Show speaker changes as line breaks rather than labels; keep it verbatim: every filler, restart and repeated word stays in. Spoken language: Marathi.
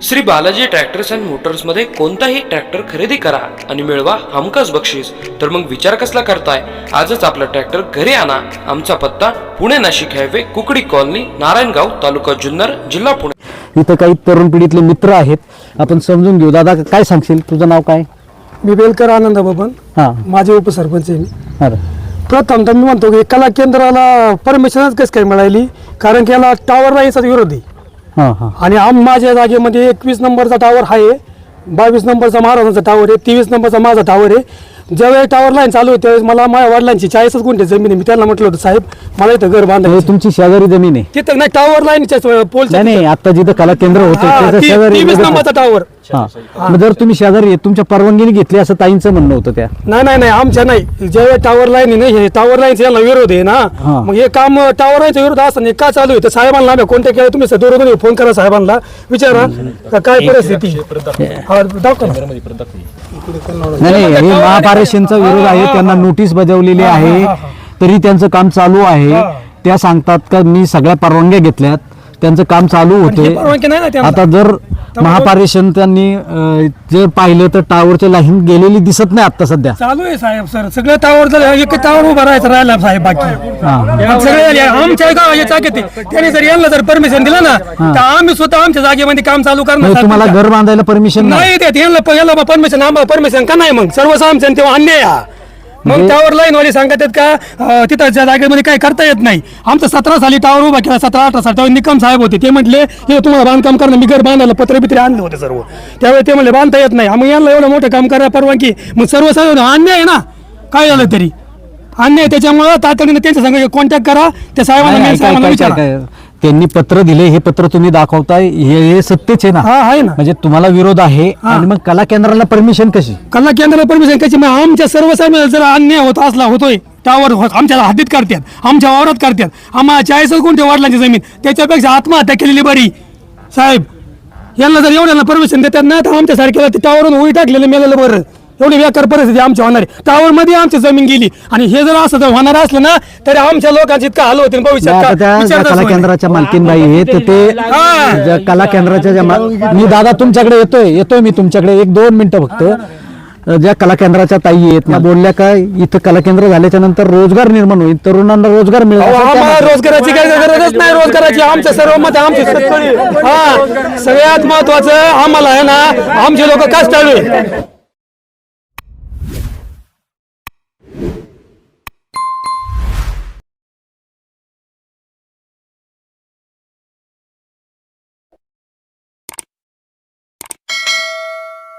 Shri Balaji tractors and motors मध्ये कोणताही ट्रॅक्टर खरेदी करा आणि मिळवा हमखास बक्षीस. तर मग विचार कसला करताय, आजच आपला ट्रॅक्टर घरी आणा. आमचा पत्ता पुणे नाशिक हायवे, कुकडी कॉलनी, नारायणगाव, तालुका जुन्नर, जिल्हा पुणे.
इथं काही तरुण पिढीतले मित्र आहेत, आपण समजून घेऊ. दादा काय सांगशील, तुझं नाव काय?
मी बेलकर आनंद बबन,
हां
माझे उपसरपंच आहे मी.
अरे
प्रथम तर मी म्हणतो की कला केंद्राला परमिशनच कसं काय मिळाली, कारण की याला टावर याचा विरोध आहे.
हां हां
आणि आम माझ्या जागेमध्ये एकवीस नंबरचा टावर आहे, बावीस नंबरचा महाराजांचा टावर आहे, तेवीस नंबरचा माझा टावर आहे. ज्यावेळी टावर लाईन चालू होती त्यावेळेस मला माझ्या वडिलांची चाळीसच गुंठे जमीन आहे. मी त्यांना म्हटलं होतं, साहेब मला इथं घर
हे
बांधायचं.
तुमची शेजारी जमीन आहे?
तिथं नाही, टावर लाईनच्या पोलच्या
नाही नाही, आता जिथं कला केंद्र होतं त्याच्या शेजारी
तेवीस नंबरचा टावर.
हां, मग जर तुम्ही शेजारी आहे, तुमच्या परवानगीने घेतली असं ताईंचं म्हणणं होतं त्या.
नाही नाही नाही, आमच्या नाही. ज्यावेळी टावर लाईन आहे ना, हे टावर लाईनचा याला विरोध आहे ना,
हा.
मग हे काम टावर लाईनचा विरोध असताना हे का चालू आहे? तर साहेबांना आम्ही कोणत्या केलं, तुम्ही सदोरोधून फोन करा साहेबांना, विचारा का काय परिस्थिती. हा, दाखवा ना.
नाही नाही, हे महापारेषणचा विरोध आहे, त्यांना नोटीस बजावलेली आहे, तरी त्यांचं काम चालू आहे. त्या सांगतात का मी सगळ्या परवानग्या घेतल्यात, त्यांचं काम चालू
हे
होते.
परवानगी नाही ना त्यांना.
आता जर महापारेषण त्यांनी अं, जर पाहिलं तर टावरची लाईन गेलेली दिसत नाही आता सध्या.
चालू आहे साहेब. सर सगळं टावर जर एक टावर उभा राहायचं राहिला साहेब, बाकी
हां
सगळे आमच्या गावाच्या जागेत आहे. त्यांनी जर यांना जर परमिशन दिलं ना, तर आम्ही स्वतः आमच्या जागेमध्ये काम चालू करणार.
म्हणजे तुम्हाला घर बांधायला परमिशन नाही?
नाही देत यांना, याला परमिशन, आम्हाला परमिशन का नाही? मग सर्वच आमच्या तेव्हा अन्याय हा. मग टावर लाईन वाले सांगतात का अं, तिथं ज्या जागेमध्ये काही करता येत नाही. आमचं सतरा साली टावर उभा केला, सतरा अठरा साली. तेव्हा निकम साहेब होते, ते म्हटले हे तुम्हाला बांधकाम करणं, मी घर बांधायला पत्रे बित्रे आणले होते सर्व. त्यावेळी ते म्हणले बांधता येत नाही. मग यांना एवढं मोठं काम करायला परवानगी, मग सर्व सर्व अन्याय आहे ना, काय झालं तरी अन्याय. त्याच्यामुळं तातडीने त्यांच्या संग कॉन्टॅक्ट करा, त्या साहेबांना,
काय-
मेन
काय-
साहेबांना
काय-
विचारा.
काय- काय- त्यांनी पत्र दिले, हे पत्र तुम्ही दाखवताय, हे हे सत्यच आहे ना?
हा आहे ना.
म्हणजे तुम्हाला विरोध आहे, आणि मग कला केंद्राला परमिशन कशी?
कला केंद्राला परमिशन कशी? मग आमच्या सर्व साहेब जर अन्याय होत असला, होतोय टावर आमच्या हद्दीत काढतात, आमच्या वावरात काढतात. आम्हाला चाळीस कोणत्या वाढलांची जमीन, त्याच्यापेक्षा आत्महत्या केलेली बरी साहेब. यांना जर एवढ्यांना परमिशन देतात ना, तर आमच्या सारख्याला ते टावरवरून उडी टाकलेलं मेलेलं बरं. एवढी बेकार परिस्थिती आमची होणार आहे. टावर मध्ये आमची जमीन गेली, आणि हे जर असं जर होणार असलं ना, तरी आमच्या लोकांची इतका हाल होतील भविष्यात
आता
का
त्या
विचारताच
कला
होईल.
केंद्राच्या मालकीनबाई आहे, तर ते ज्या कला केंद्राच्या ज्या मा- मी दादा तुमच्याकडे येतोय येतोय मी तुमच्याकडे एक दोन मिनिटं फक्त. ज्या कला केंद्राच्या ताई आहेत ना, बोलल्या काय इथं कला केंद्र झाल्याच्या नंतर रोजगार निर्माण होईल, तरुणांना रोजगार मिळेल.
अहो,
असं त्या
आम्हाला
म्हणतात.
रोजगाराची काही गरजच नाही. रोजगाराची आमच्या सर्व मत आमची शेतकरी. हा, सगळ्यात महत्वाचं आम्हाला आहे ना, आमचे लोक कष्टाळू आहे.